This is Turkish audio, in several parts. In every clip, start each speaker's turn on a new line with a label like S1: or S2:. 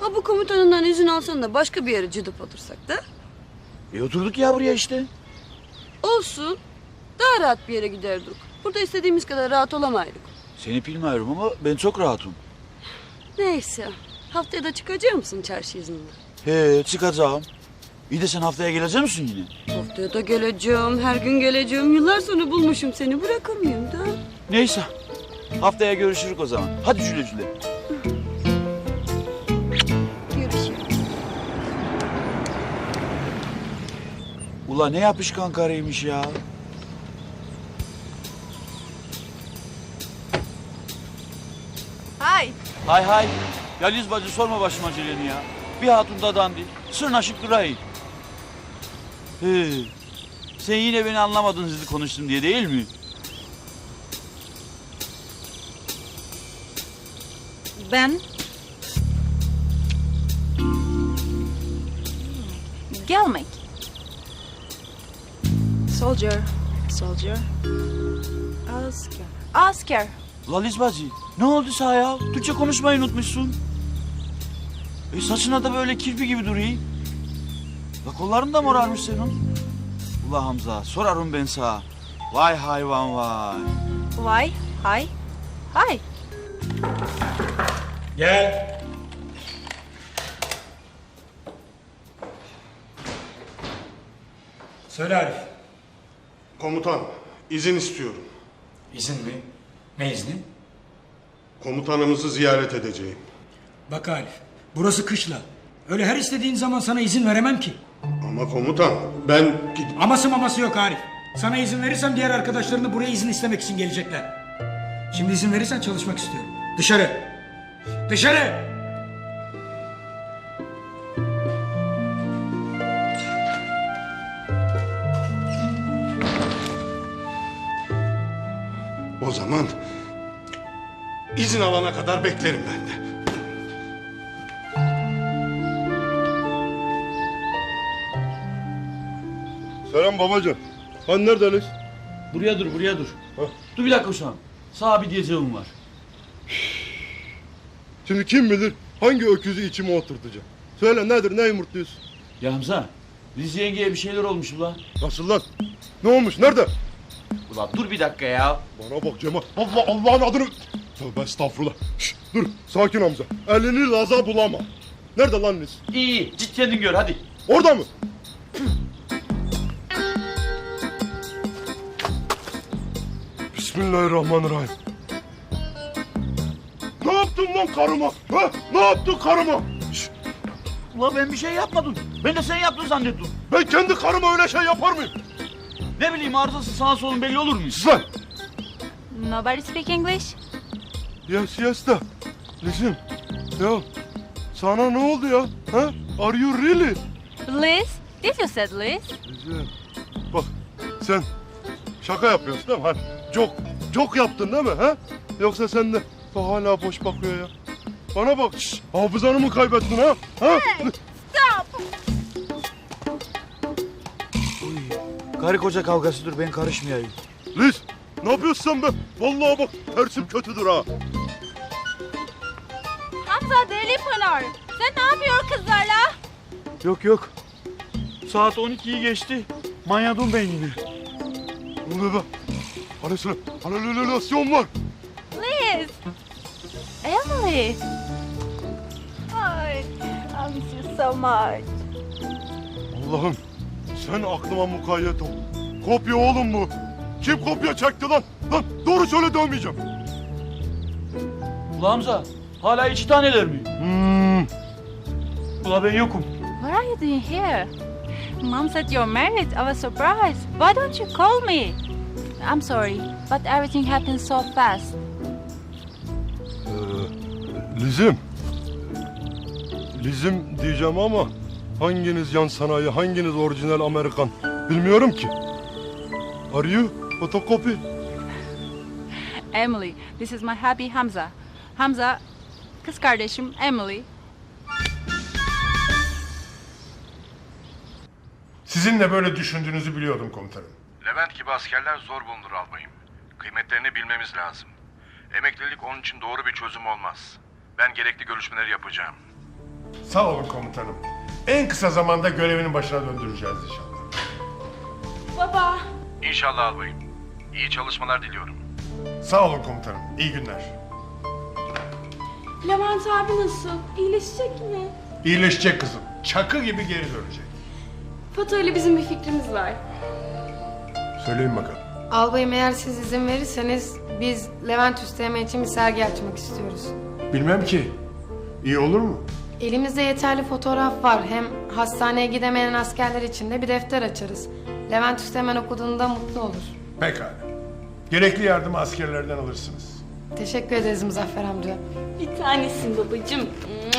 S1: Ha bu komutanından izin alsan da başka bir yere cıdıp otursak da.
S2: Oturduk ya buraya işte.
S1: Olsun. Daha rahat bir yere giderdik. Burada istediğimiz kadar rahat olamaydık.
S2: Seni bilmiyorum ama ben çok rahatım.
S1: Neyse. Haftaya da çıkacak mısın çarşı iznine?
S2: He, çıkacağım. İyi de sen haftaya gelecek misin yine?
S1: Haftaya da geleceğim. Her gün geleceğim. Yıllar sonra bulmuşum seni. Bırakır mıyım da?
S2: Neyse. Haftaya görüşürüz o zaman. Hadi güle güle.
S1: Görüşürüz.
S2: Ula ne yapışkan karıymış ya.
S3: Hi.
S2: Hay hay. Ya Liz bacı sorma başıma aceleni ya. Bir hatun da dandik. Sırnaşık durayım. He. Sen yine beni anlamadın hızlı konuştum diye değil mi?
S3: Ben... Gelmek. Soldier. Soldier. Asker. Asker.
S2: Ula Liz bacı ne oldu sana ya? Türkçe konuşmayı unutmuşsun. Saçına da böyle kirpi gibi duruyor. La kolların da morarmış senin. Ula Hamza sorarım ben sana. Vay hayvan vay.
S3: Why? Hi. Hi.
S4: Gel. Söyle Arif.
S5: Komutan, izin istiyorum.
S4: İzin mi? Ne izni?
S5: Komutanımızı ziyaret edeceğim.
S4: Bak Arif, burası kışla. Öyle her istediğin zaman sana izin veremem ki.
S5: Ama komutan, ben...
S4: Aması maması yok Arif. Sana izin verirsem diğer arkadaşların da buraya izin istemek için gelecekler. Şimdi izin verirsen çalışmak istiyorum. Dışarı. Dışarı.
S5: O zaman... izin alana kadar beklerim ben de.
S6: Selam babacığım. Hani neredeniz?
S2: Buraya dur buraya dur. Dur bir dakika uşağım. Sana bir diyeceğim var.
S6: Şimdi kim bilir hangi öküzü içime oturtacak. Söyle nedir, ne yumurtluyorsun?
S2: Ya Hamza Liz yengeye bir şeyler olmuş ula.
S6: Nasıl lan? Ne olmuş, nerede?
S2: Ula dur bir dakika ya.
S6: Bana bak Cemal. Allah'ın adını... Tövbe estağfurullah. Şşt, dur, sakin Hamza. Elini laza bulama. Nerede lan Liz?
S2: İyi git kendin gör hadi.
S6: Orada mı? Bismillahirrahmanirrahim. Ne yaptın lan karıma? Ha? Ne yaptın karıma? Şşt,
S2: Ula ben bir şey yapmadım. Ben de sen yaptın zannettim.
S6: ben kendi karıma öyle şey yapar mıyım?
S2: Ne bileyim arızası sağ solun belli olur mu?
S6: Sus lan!
S3: Nobody speak English?
S6: Yes da. Listen. Ya sana ne oldu ya? Ha? Are you really?
S3: Liz? Did you said Liz?
S6: Güzel. Bak sen şaka yapıyorsun değil mi? Hani çok yaptın değil mi? Ha? Yoksa sen de bak hala boş bakıyor ya. Bana bak. Şş, hafızanı mı kaybettin ha? Ha?
S3: Stop!
S2: Karı koca kavgasıdır ben karışmayayım.
S6: Liz ne yapıyorsun sen be? Vallahi bak tersim kötüdür ha.
S3: Hamza Deli Pınar. Sen ne yapıyorsun kızlarla?
S2: Yok. Saat 12'yi geçti. Manyadım ben yine.
S6: Ne oluyor be? Halüsinasyon var.
S3: Liz! Emily! Ay, I miss you so much.
S6: Allah'ım sen aklıma mukayyet ol. Kopya oğlum bu. Kim kopya çekti lan? Lan doğru söyle dövmeyeceğim.
S2: Ula Hamza hala iki taneler mi? Ula ben yokum.
S3: What are you doing here? Mom said you're married. I was surprised. Why don't you call me? I'm sorry, but everything happened so fast.
S6: Lizim diyeceğim ama hanginiz yan sanayi, hanginiz orijinal Amerikan bilmiyorum ki. Are you photocopy?
S3: Emily, this is my hubby Hamza. Hamza, kız kardeşim Emily.
S7: Sizin de böyle düşündüğünüzü biliyordum komutanım.
S8: Levent gibi askerler zor bulunur albayım. Kıymetlerini bilmemiz lazım. Emeklilik onun için doğru bir çözüm olmaz. Ben gerekli görüşmeleri yapacağım.
S7: Sağ olun komutanım. En kısa zamanda görevinin başına döndüreceğiz inşallah.
S3: Baba.
S8: İnşallah albayım. İyi çalışmalar diliyorum.
S7: Sağ olun komutanım. İyi günler.
S1: Levent abi nasıl? İyileşecek mi?
S7: İyileşecek kızım. Çakı gibi geri dönecek.
S1: Fato ile bizim bir fikrimiz var.
S7: Söyleyin bakalım.
S9: Albayım, eğer siz izin verirseniz biz Levent Üsteğmen için bir sergi açmak istiyoruz.
S7: Bilmem ki. İyi olur mu?
S9: Elimizde yeterli fotoğraf var. Hem hastaneye gidemeyen askerler için de bir defter açarız. Levent Üsteğmen okuduğunda mutlu olur.
S7: Pekala. Gerekli yardımı askerlerden alırsınız.
S9: Teşekkür ederiz Muzaffer amca.
S1: Bir tanesin babacığım.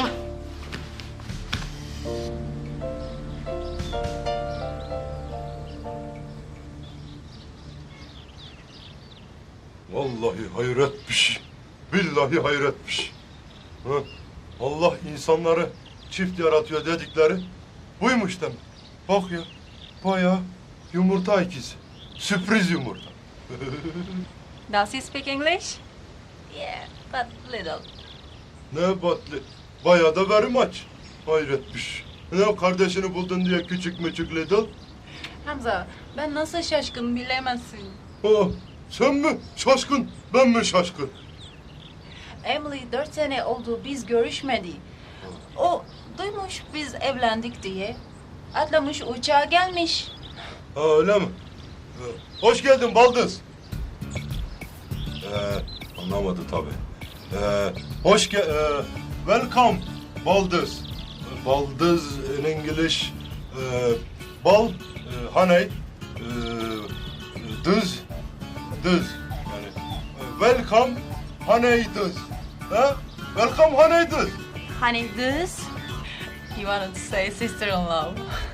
S6: Vallahi hayretmiş. Billahi hayretmiş. Ha? Allah insanları çift yaratıyor dedikleri buymuş demek. Bak ya, bayağı yumurta ikizi. Sürpriz yumurta.
S3: Does he speak English? Yeah, but little.
S6: Ne batlı. Bayağı da very much. Hayretmiş. Ne o kardeşini buldun diye küçük müçük little?
S3: Hamza, ben nasıl şaşkın bilemezsin.
S6: Oh, sen mi şaşkın, ben mi şaşkın?
S3: Emily 4 sene oldu biz görüşmedi. O duymuş biz evlendik diye. Atlamış uçağa gelmiş.
S6: Ha öyle mi? Hoş geldin Baldız. Anlamadı tabii. Welcome Baldız. Baldız in English. Honey. Dız. Yani. Welcome honey dız. Ha? Welcome honey dız.
S3: Honey, this? You wanted to say sister-in-law.